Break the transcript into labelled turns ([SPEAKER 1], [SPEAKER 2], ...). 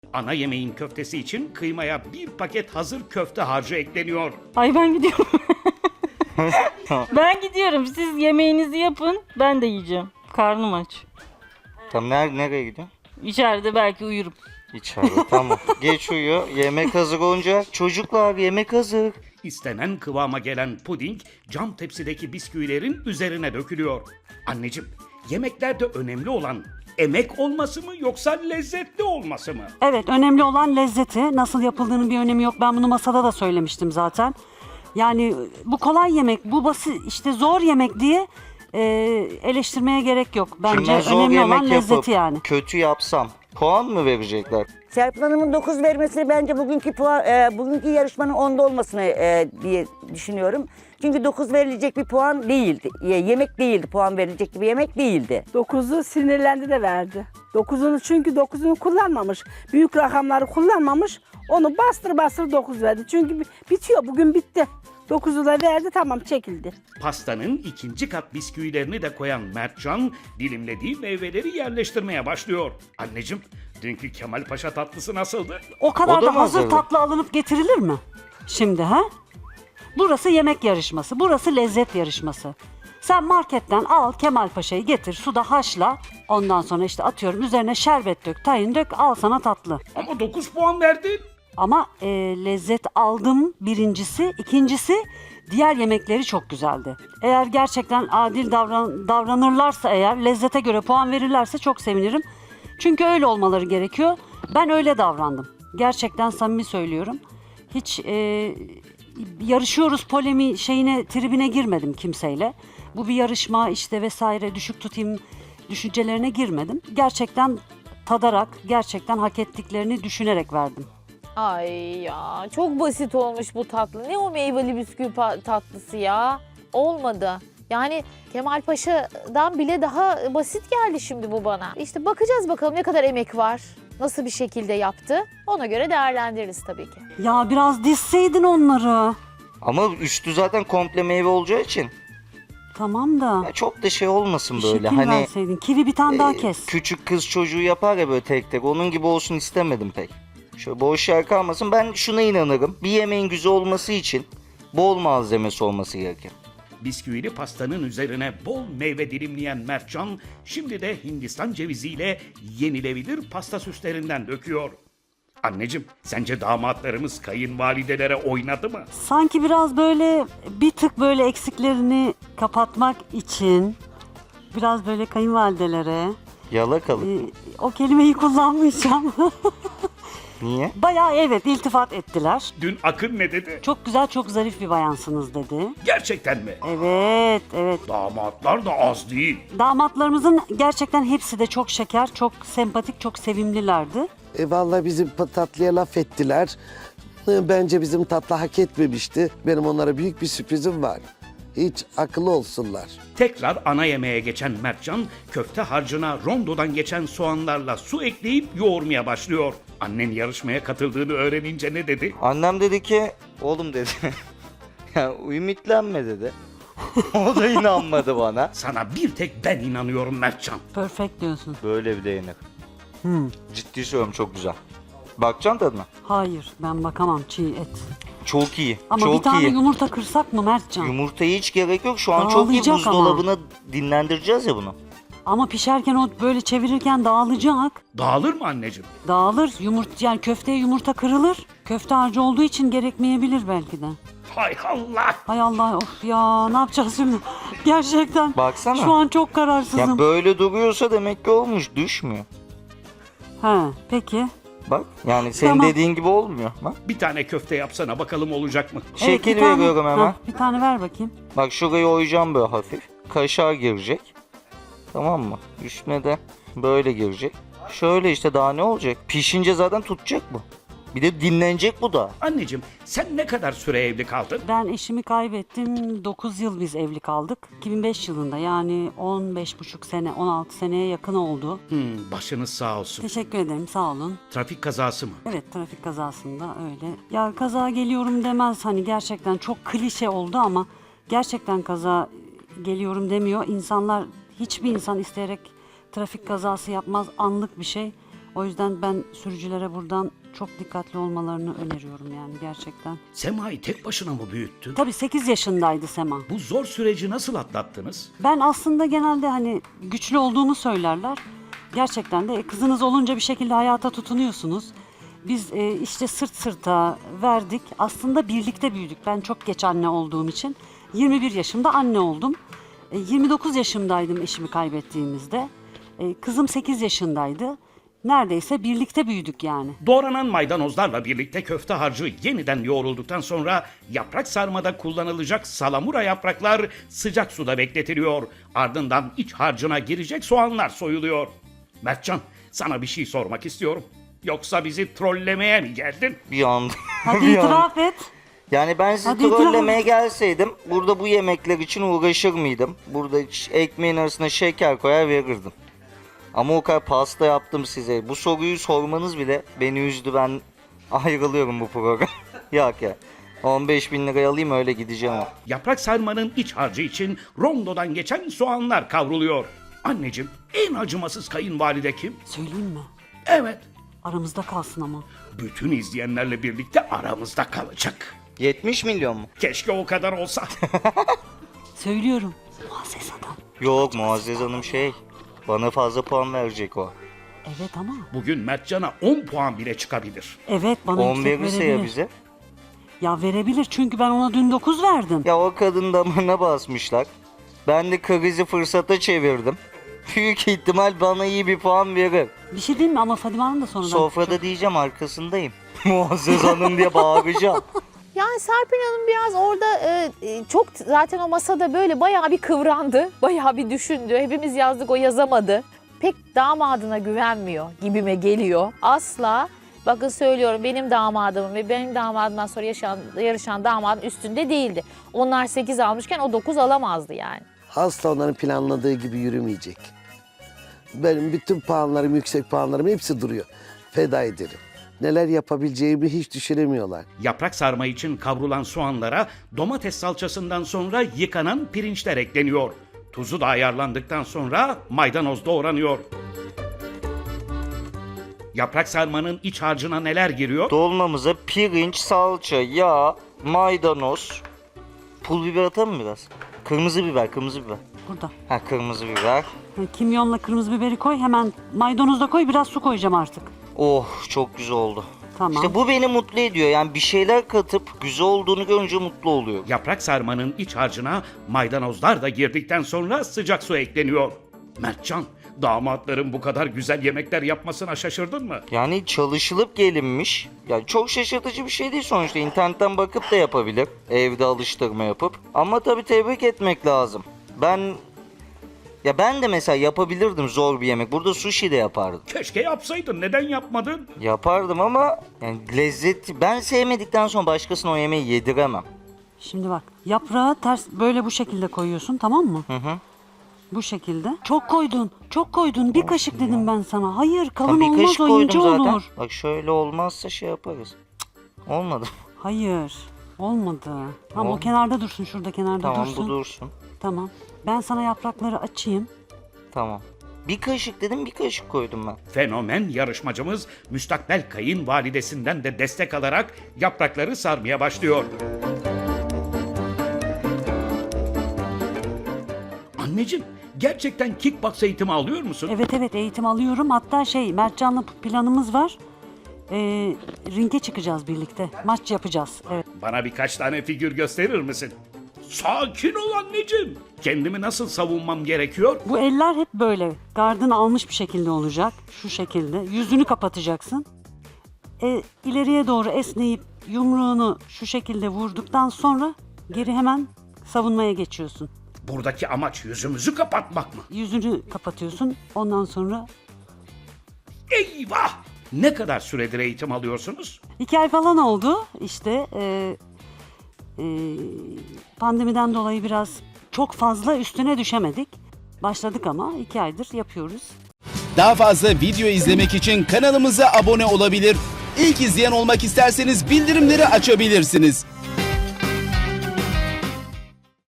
[SPEAKER 1] Ana yemeğin köftesi için kıymaya bir paket hazır köfte harcı ekleniyor.
[SPEAKER 2] Ay ben gidiyorum. Ben gidiyorum. Siz yemeğinizi yapın. Ben de yiyeceğim. Karnım aç.
[SPEAKER 3] Tamam nereye gidiyorsun?
[SPEAKER 2] İçeride belki uyurum.
[SPEAKER 3] İçeride tamam. Geç uyu. Yemek hazır olunca çocuklar yemek hazır.
[SPEAKER 1] İstenen kıvama gelen puding cam tepsideki bisküvilerin üzerine dökülüyor. Anneciğim, yemeklerde önemli olan emek olması mı yoksa lezzetli olması mı?
[SPEAKER 4] Evet, önemli olan lezzeti. Nasıl yapıldığının bir önemi yok. Ben bunu masada da söylemiştim zaten. Yani bu kolay yemek, bu basit, işte zor yemek diye eleştirmeye gerek yok.
[SPEAKER 3] Şimdi ben
[SPEAKER 4] Bence
[SPEAKER 3] zor
[SPEAKER 4] önemli
[SPEAKER 3] yemek
[SPEAKER 4] olan lezzeti
[SPEAKER 3] yapıp
[SPEAKER 4] yani.
[SPEAKER 3] kötü yapsam puan mı verecekler?
[SPEAKER 5] Serpil Hanım'ın 9 vermesi bence bugünkü yarışmanın 10'da olmasını diye düşünüyorum. Çünkü 9 verilecek bir puan değildi. Yemek değildi, puan verilecek bir yemek değildi.
[SPEAKER 6] 9'u sinirlendi de verdi. 9'unu çünkü 9'unu kullanmamış. Büyük rakamları kullanmamış. Onu bastır bastır 9 verdi. Çünkü bitiyor. Bugün bitti. 9'u da verdi, tamam, çekildi.
[SPEAKER 1] Pastanın ikinci kat bisküvilerini de koyan Mertcan dilimlediği meyveleri yerleştirmeye başlıyor. Anneciğim, dünkü Kemal Paşa tatlısı nasıldı?
[SPEAKER 4] O kadar
[SPEAKER 3] O da
[SPEAKER 4] da
[SPEAKER 3] mı
[SPEAKER 4] hazır
[SPEAKER 3] hazırdı?
[SPEAKER 4] tatlı alınıp getirilir mi? Şimdi ha? Burası yemek yarışması, burası lezzet yarışması. Sen marketten al Kemal Paşa'yı getir, suda haşla. Ondan sonra işte atıyorum üzerine şerbet dök, tahin dök, al sana tatlı.
[SPEAKER 1] Ama 9 puan verdin.
[SPEAKER 4] Ama lezzet aldım birincisi. İkincisi diğer yemekleri çok güzeldi. Eğer gerçekten adil davranırlarsa eğer lezzete göre puan verirlerse çok sevinirim. Çünkü öyle olmaları gerekiyor. Ben öyle davrandım. Gerçekten samimi söylüyorum. Hiç yarışıyoruz tribine girmedim kimseyle. Bu bir yarışma işte vesaire düşük tutayım düşüncelerine girmedim. Gerçekten tadarak, gerçekten hak ettiklerini düşünerek verdim.
[SPEAKER 7] Ay ya, çok basit olmuş bu tatlı. Ne o meyveli bisküvi tatlısı ya? Olmadı. Yani Kemal Paşa'dan bile daha basit geldi şimdi bu bana. İşte bakacağız bakalım ne kadar emek var. Nasıl bir şekilde yaptı. Ona göre değerlendiririz tabii ki.
[SPEAKER 4] Ya biraz dizseydin onları.
[SPEAKER 3] Ama üstü zaten komple meyve olacağı için.
[SPEAKER 4] Tamam da
[SPEAKER 3] Ya çok da şey olmasın
[SPEAKER 4] bir
[SPEAKER 3] böyle.
[SPEAKER 4] şekil
[SPEAKER 3] Hani
[SPEAKER 4] verseydin. Kivi bir tane daha kes.
[SPEAKER 3] küçük kız çocuğu yapar ya böyle tek tek. Onun gibi olsun istemedim pek. Şöyle boş yer kalmasın. Ben şuna inanırım. Bir yemeğin güzel olması için bol malzemesi olması gerekir.
[SPEAKER 1] Bisküvili pastanın üzerine bol meyve dilimleyen Mertcan şimdi de Hindistan ceviziyle yenilebilir pasta süslerinden döküyor. Anneciğim, sence damatlarımız kayınvalidelere oynadı mı?
[SPEAKER 4] Sanki biraz böyle bir tık böyle eksiklerini kapatmak için biraz böyle kayınvalidelere
[SPEAKER 3] Yalakalık.
[SPEAKER 4] o kelimeyi kullanmayacağım.
[SPEAKER 3] Niye?
[SPEAKER 4] Bayağı evet iltifat ettiler.
[SPEAKER 1] Dün Akın ne dedi?
[SPEAKER 4] Çok güzel çok zarif bir bayansınız dedi.
[SPEAKER 1] Gerçekten mi?
[SPEAKER 4] Evet evet.
[SPEAKER 1] Damatlar da az değil.
[SPEAKER 4] Damatlarımızın gerçekten hepsi de çok şeker, çok sempatik, çok sevimlilerdi.
[SPEAKER 8] Vallahi bizim tatlıya laf ettiler. Bence bizim tatlı hak etmemişti. Benim onlara büyük bir sürprizim var. Hiç akıllı olsunlar.
[SPEAKER 1] Tekrar ana yemeğe geçen Mertcan, köfte harcına rondodan geçen soğanlarla su ekleyip yoğurmaya başlıyor. Annen yarışmaya katıldığını öğrenince ne dedi?
[SPEAKER 3] Annem dedi ki oğlum dedi. Ya ümitlenme dedi. O da inanmadı bana.
[SPEAKER 1] Sana bir tek ben inanıyorum Mertcan.
[SPEAKER 4] Perfect diyorsun.
[SPEAKER 3] Böyle bir de yenir. Ciddi söylüyorum çok güzel. Bakacaksın tadına.
[SPEAKER 4] Hayır ben bakamam çiğ et.
[SPEAKER 3] Çok iyi.
[SPEAKER 4] Ama
[SPEAKER 3] çok
[SPEAKER 4] bir tane
[SPEAKER 3] iyi.
[SPEAKER 4] yumurta kırsak mı Mertcan?
[SPEAKER 3] Yumurtaya hiç gerek yok. Şu an çok iyi.
[SPEAKER 4] Dağılacak
[SPEAKER 3] Buzdolabına dinlendireceğiz ya bunu.
[SPEAKER 4] Ama pişerken o böyle çevirirken dağılacak.
[SPEAKER 1] Dağılır mı anneciğim?
[SPEAKER 4] Dağılır. Yani köfteye yumurta kırılır. Köfte harcı olduğu için gerekmeyebilir belki de.
[SPEAKER 1] Hay Allah!
[SPEAKER 4] Hay Allah of ya ne yapacağız şimdi? Gerçekten
[SPEAKER 3] Baksana.
[SPEAKER 4] şu an çok kararsızım.
[SPEAKER 3] Ya böyle duruyorsa demek ki olmuş. Düşmüyor.
[SPEAKER 4] He peki.
[SPEAKER 3] Bak yani senin
[SPEAKER 4] Tamam.
[SPEAKER 3] dediğin gibi olmuyor. Bak.
[SPEAKER 1] Bir tane köfte yapsana bakalım olacak mı?
[SPEAKER 4] Evet,
[SPEAKER 3] Şekil
[SPEAKER 4] bir tane-
[SPEAKER 3] veriyorum hemen.
[SPEAKER 4] Ha, bir tane ver bakayım.
[SPEAKER 3] Bak şurayı oyacağım böyle hafif. Kaşar girecek. Tamam mı? Üstüne de böyle girecek. Şöyle işte daha ne olacak? Pişince zaten tutacak bu. Bir de dinlenecek bu da.
[SPEAKER 1] Anneciğim, sen ne kadar süre evli kaldın?
[SPEAKER 4] Ben eşimi kaybettim. 9 yıl biz evli kaldık. 2005 yılında yani 15,5 sene 16 seneye yakın oldu.
[SPEAKER 1] Başınız sağ olsun.
[SPEAKER 4] Teşekkür ederim sağ olun.
[SPEAKER 1] Trafik kazası mı?
[SPEAKER 4] Evet trafik kazasında öyle. Ya kaza geliyorum demez hani gerçekten çok klişe oldu ama gerçekten kaza geliyorum demiyor. İnsanlar hiçbir insan isteyerek trafik kazası yapmaz, anlık bir şey. O yüzden ben sürücülere buradan çok dikkatli olmalarını öneriyorum yani gerçekten.
[SPEAKER 1] Sema'yı tek başına mı büyüttün?
[SPEAKER 4] Tabii 8 yaşındaydı Sema.
[SPEAKER 1] Bu zor süreci nasıl atlattınız?
[SPEAKER 4] Ben aslında genelde hani güçlü olduğumu söylerler. Gerçekten de kızınız olunca bir şekilde hayata tutunuyorsunuz. Biz işte sırt sırta verdik. Aslında birlikte büyüdük. Ben çok geç anne olduğum için 21 yaşımda anne oldum. 29 yaşımdaydım eşimi kaybettiğimizde. Kızım 8 yaşındaydı. Neredeyse birlikte büyüdük yani.
[SPEAKER 1] Doğranan maydanozlarla birlikte köfte harcı yeniden yoğrulduktan sonra yaprak sarmada kullanılacak salamura yapraklar sıcak suda bekletiliyor. Ardından iç harcına girecek soğanlar soyuluyor. Mertcan, sana bir şey sormak istiyorum. Yoksa bizi trollemeye mi geldin?
[SPEAKER 3] Bir anda.
[SPEAKER 4] Hadi
[SPEAKER 3] bir anda.
[SPEAKER 4] itiraf et.
[SPEAKER 3] Yani ben sizi
[SPEAKER 4] Hadi
[SPEAKER 3] trollemeye gelseydim burada bu yemekler için uğraşır mıydım? Burada ekmeğin arasına şeker koyar verirdim. Ama o kadar pasta yaptım size. Bu soruyu sormanız bile beni üzdü. Ben ayrılıyorum bu program. Yok ya. 15.000 liraya alayım öyle gideceğim o.
[SPEAKER 1] Yaprak sarmanın iç harcı için rondodan geçen soğanlar kavruluyor. Anneciğim, en acımasız kayınvalide kim?
[SPEAKER 4] Söyleyeyim mi?
[SPEAKER 1] Evet,
[SPEAKER 4] Aramızda kalsın ama.
[SPEAKER 1] bütün izleyenlerle birlikte aramızda kalacak.
[SPEAKER 3] 70 milyon mu?
[SPEAKER 1] Keşke o kadar olsa.
[SPEAKER 4] Söylüyorum. Muazzez adam.
[SPEAKER 3] Yok Muazzez Hanım bana fazla puan verecek o.
[SPEAKER 4] Evet ama.
[SPEAKER 1] Bugün Mertcan'a 10 puan bile çıkabilir.
[SPEAKER 4] Evet bana
[SPEAKER 3] 10
[SPEAKER 4] yüksek
[SPEAKER 3] verirse
[SPEAKER 4] verebilir.
[SPEAKER 3] ya bize.
[SPEAKER 4] Ya verebilir çünkü ben ona dün 9 verdim.
[SPEAKER 3] Ya o kadın damarına basmışlar. Ben de krizi fırsata çevirdim. Büyük ihtimal bana iyi bir puan verir.
[SPEAKER 4] Bir şey diyeyim mi ama Fadime Hanım da sonradan.
[SPEAKER 3] Sofrada diyeceğim arkasındayım. Muazzez Hanım diye bağıracağım.
[SPEAKER 7] Yani Serpil Hanım biraz orada çok zaten o masada böyle bayağı bir kıvrandı. Bayağı bir düşündü. Hepimiz yazdık, o yazamadı. Pek damadına güvenmiyor gibime geliyor. Asla, bakın söylüyorum, benim damadımın ve benim damadımdan sonra yarışan damadın üstünde değildi. Onlar 8 almışken o 9 alamazdı yani.
[SPEAKER 8] Asla onların planladığı gibi yürümeyecek. Benim bütün puanlarım, yüksek puanlarım hepsi duruyor. Feda ederim. Neler yapabileceğimi hiç düşünemiyorlar.
[SPEAKER 1] Yaprak sarma için kavrulan soğanlara domates salçasından sonra yıkanan pirinçler ekleniyor. Tuzu da ayarlandıktan sonra maydanoz doğranıyor. Yaprak sarmanın iç harcına neler giriyor?
[SPEAKER 3] Dolmamıza pirinç, salça, yağ, maydanoz, pul biber atalım mı biraz? Kırmızı biber.
[SPEAKER 4] Burada.
[SPEAKER 3] Ha kırmızı biber.
[SPEAKER 4] Kimyonla kırmızı biberi koy. Hemen maydanoz da koy. Biraz su koyacağım artık.
[SPEAKER 3] Oh çok güzel oldu.
[SPEAKER 4] Tamam.
[SPEAKER 3] İşte bu beni mutlu ediyor. Yani bir şeyler katıp güzel olduğunu görünce mutlu oluyor.
[SPEAKER 1] Yaprak sarmanın iç harcına maydanozlar da girdikten sonra sıcak su ekleniyor. Mertcan, damatların bu kadar güzel yemekler yapmasına şaşırdın mı?
[SPEAKER 3] Yani çalışılıp gelinmiş. Yani çok şaşırtıcı bir şey değil sonuçta. İnternetten bakıp da yapabilir. Evde alıştırma yapıp. Ama tabii tebrik etmek lazım. Ben de mesela yapabilirdim zor bir yemek. Burada sushi de yapardım.
[SPEAKER 1] Keşke yapsaydın, neden yapmadın?
[SPEAKER 3] Yapardım ama yani lezzeti ben sevmedikten sonra başkasına o yemeği yediremem.
[SPEAKER 4] Şimdi bak. Yaprağı ters böyle bu şekilde koyuyorsun, tamam mı?
[SPEAKER 3] Hı hı.
[SPEAKER 4] Bu şekilde. Çok koydun. Çok koydun. Bir kaşık dedim ben sana. Hayır, kalın
[SPEAKER 3] Tam bir
[SPEAKER 4] olmaz,
[SPEAKER 3] kaşık
[SPEAKER 4] o
[SPEAKER 3] koydum
[SPEAKER 4] ince
[SPEAKER 3] zaten.
[SPEAKER 4] olur.
[SPEAKER 3] Bak şöyle olmazsa şey yaparız. Cık, olmadı.
[SPEAKER 4] Hayır. Olmadı. Tamam, o
[SPEAKER 3] Olmadı.
[SPEAKER 4] kenarda dursun. Şurada kenarda
[SPEAKER 3] Tamam
[SPEAKER 4] dursun.
[SPEAKER 3] bu dursun.
[SPEAKER 4] Tamam. Ben sana yaprakları açayım.
[SPEAKER 3] Tamam. Bir kaşık dedim bir kaşık koydum ben.
[SPEAKER 1] Fenomen yarışmacımız müstakbel kayınvalidesinden de destek alarak yaprakları sarmaya başlıyor. Anneciğim, gerçekten kickbox eğitimi alıyor musun?
[SPEAKER 4] Evet eğitim alıyorum. Hatta Mertcan'la planımız var. Ringe çıkacağız birlikte. Maç yapacağız. Evet.
[SPEAKER 1] Bana birkaç tane figür gösterir misin? Sakin ol anneciğim. Kendimi nasıl savunmam gerekiyor?
[SPEAKER 4] Bu eller hep böyle. Gardını almış bir şekilde olacak. Şu şekilde. Yüzünü kapatacaksın. İleriye doğru esneyip yumruğunu şu şekilde vurduktan sonra geri hemen savunmaya geçiyorsun.
[SPEAKER 1] Buradaki amaç yüzümüzü kapatmak mı?
[SPEAKER 4] Yüzünü kapatıyorsun. Ondan sonra
[SPEAKER 1] Eyvah! Ne kadar süredir eğitim alıyorsunuz?
[SPEAKER 4] 2 ay falan oldu. İşte pandemiden dolayı biraz çok fazla üstüne düşemedik. Başladık ama 2 aydır yapıyoruz.
[SPEAKER 9] Daha fazla video izlemek için kanalımıza abone olabilir. İlk izleyen olmak isterseniz bildirimleri açabilirsiniz.